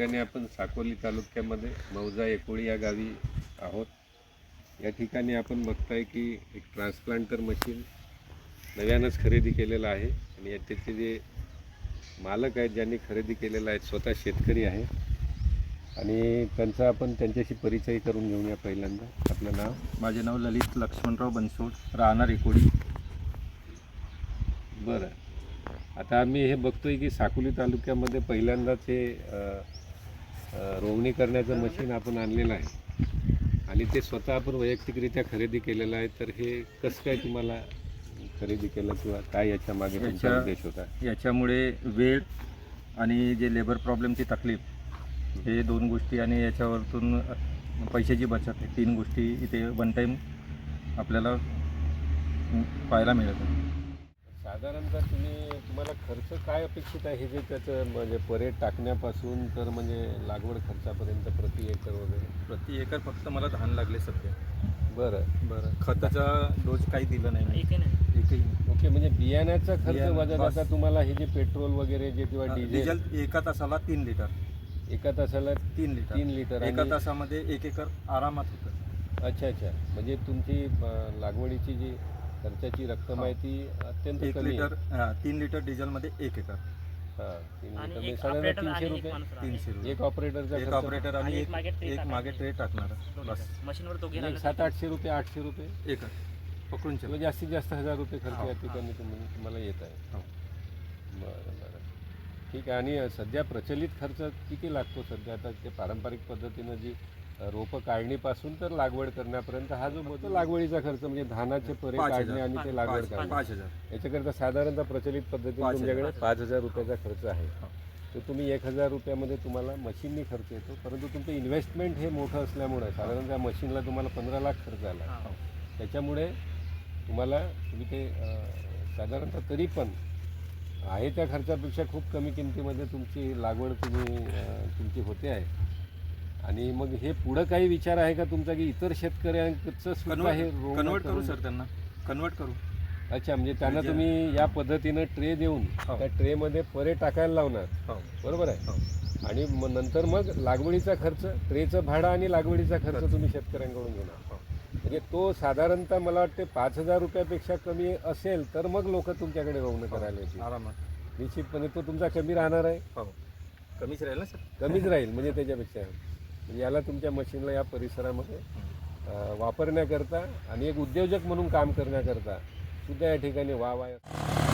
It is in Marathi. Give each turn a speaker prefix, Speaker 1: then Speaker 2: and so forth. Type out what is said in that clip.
Speaker 1: ठिकाणी आपण साकोली तालुक्यामध्ये मौजा एकोळी या गावी आहोत. या ठिकाणी आपण बघताय की एक ट्रान्सप्लांटर मशीन नव्यानंच खरेदी केलेलं आहे आणि त्याचे जे मालक आहेत ज्यांनी खरेदी केलेलं आहे स्वतः शेतकरी आहे आणि त्यांचा आपण त्यांच्याशी परिचय करून घेऊया. पहिल्यांदा आपलं नाव?
Speaker 2: माझे नाव ललित लक्ष्मणराव बनसोड, राहणार एकोळी.
Speaker 1: बरं, आता आम्ही हे बघतोय की साकोली तालुक्यामध्ये पहिल्यांदाच हे रोवणी करण्याचं मशीन आपण आणलेलं आहे आणि ते स्वतः आपण वैयक्तिकरित्या खरेदी केलेलं आहे. तर हे कसं काय तुम्हाला खरेदी केलं किंवा काय याच्या मागे तुमचा उद्देश होता?
Speaker 2: याच्यामुळे वेळ आणि जे लेबर प्रॉब्लेमची तकलीफ हे दोन गोष्टी आणि याच्यावरतून पैशाची बचत आहे, तीन गोष्टी इथे वन टाईम आपल्याला पाहायला मिळत आहे.
Speaker 1: साधारणतः तुम्हाला खर्च काय अपेक्षित आहे हे जे त्याचं म्हणजे परेड टाकण्यापासून तर म्हणजे लागवड खर्चापर्यंत प्रति एकर वगैरे?
Speaker 2: प्रति एकर फक्त मला धान लागले सध्या.
Speaker 1: बरं,
Speaker 2: खताचा डोस काही दिला नाही, एकही नाही.
Speaker 1: ओके, म्हणजे बियाण्याचा खर्च वजा जाता तुम्हाला हे जे पेट्रोल वगैरे जे किंवा
Speaker 2: डिझेल एका तासाला 3 लिटर,
Speaker 1: एका तासाला
Speaker 2: 3 लिटर एका तासामध्ये 1 एकर आरामात होतं.
Speaker 1: अच्छा, म्हणजे तुमची लागवडीची जी खर्चाची रक्कम आहे ती अत्यंत
Speaker 2: 1
Speaker 1: कमी
Speaker 2: लिटर 3 लिटर डिझेलमध्ये 1 एकर.
Speaker 1: 3 लिटर साधारण 300 रुपये.
Speaker 2: 300 रुपये
Speaker 1: एक ऑपरेटरचा
Speaker 2: एक ऑपरेटर आणि एक मागे ट्रे टाकणार बस.
Speaker 3: मशीनवर तो
Speaker 1: 700-800 रुपये 800 रुपये
Speaker 2: एकर पकडून चला.
Speaker 1: जास्तीत जास्त 1000 रुपये खर्च या ठिकाणी तुम्हाला येत आहे. बरं, ठीक आहे. आणि सध्या प्रचलित खर्च किती लागतो सध्या? आता ते पारंपरिक पद्धतीनं जी रोपं काढणीपासून तर लागवड करण्यापर्यंत हा जो होतो लागवडीचा खर्च म्हणजे धानाचे परे काढणे आणि ते लागवड करणे
Speaker 2: 5000
Speaker 1: याच्याकरता साधारणतः प्रचलित पद्धतीने तुमच्याकडे 5000 रुपयाचा खर्च आहे. तर तुम्ही 1000 रुपयामध्ये तुम्हाला मशीननी खर्च येतो, परंतु तुमचं इन्व्हेस्टमेंट हे मोठं असल्यामुळे साधारण त्या मशीनला तुम्हाला 15 लाख खर्च आला. त्याच्यामुळे तुम्ही ते साधारणतः तरी पण आहे त्या खर्चापेक्षा खूप कमी किमतीमध्ये तुमची लागवड तुमची होते आहे. आणि मग हे पुढं काही विचार आहे का तुमचा की इतर शेतकऱ्यांचं सुद्धा हे
Speaker 2: कन्वर्ट करू सर, त्यांना कन्वर्ट करू?
Speaker 1: अच्छा, म्हणजे त्यांना तुम्ही या पद्धतीनं ट्रे देऊन त्या ट्रेमध्ये परे टाकायला लावणार, बरोबर आहे? आणि नंतर मग लागवडीचा खर्च, ट्रेचं भाडं आणि लागवडीचा खर्च तुम्ही शेतकऱ्यांकडून घेणार. म्हणजे तो साधारणतः मला वाटते 5000 रुपयापेक्षा कमी असेल तर मग लोक तुमच्याकडे रोवणं करायला येतील
Speaker 2: आरामात.
Speaker 1: निश्चितपणे. तो तुमचा कमी राहणार आहे?
Speaker 2: कमीच राहील ना सर?
Speaker 1: कमीच राहील म्हणजे त्याच्यापेक्षा याला तुमच्या मशीनला या परिसरामध्ये वापरण्याकरता आणि एक उद्योजक म्हणून काम करण्याकरता सुद्धा या ठिकाणी वाव आहे.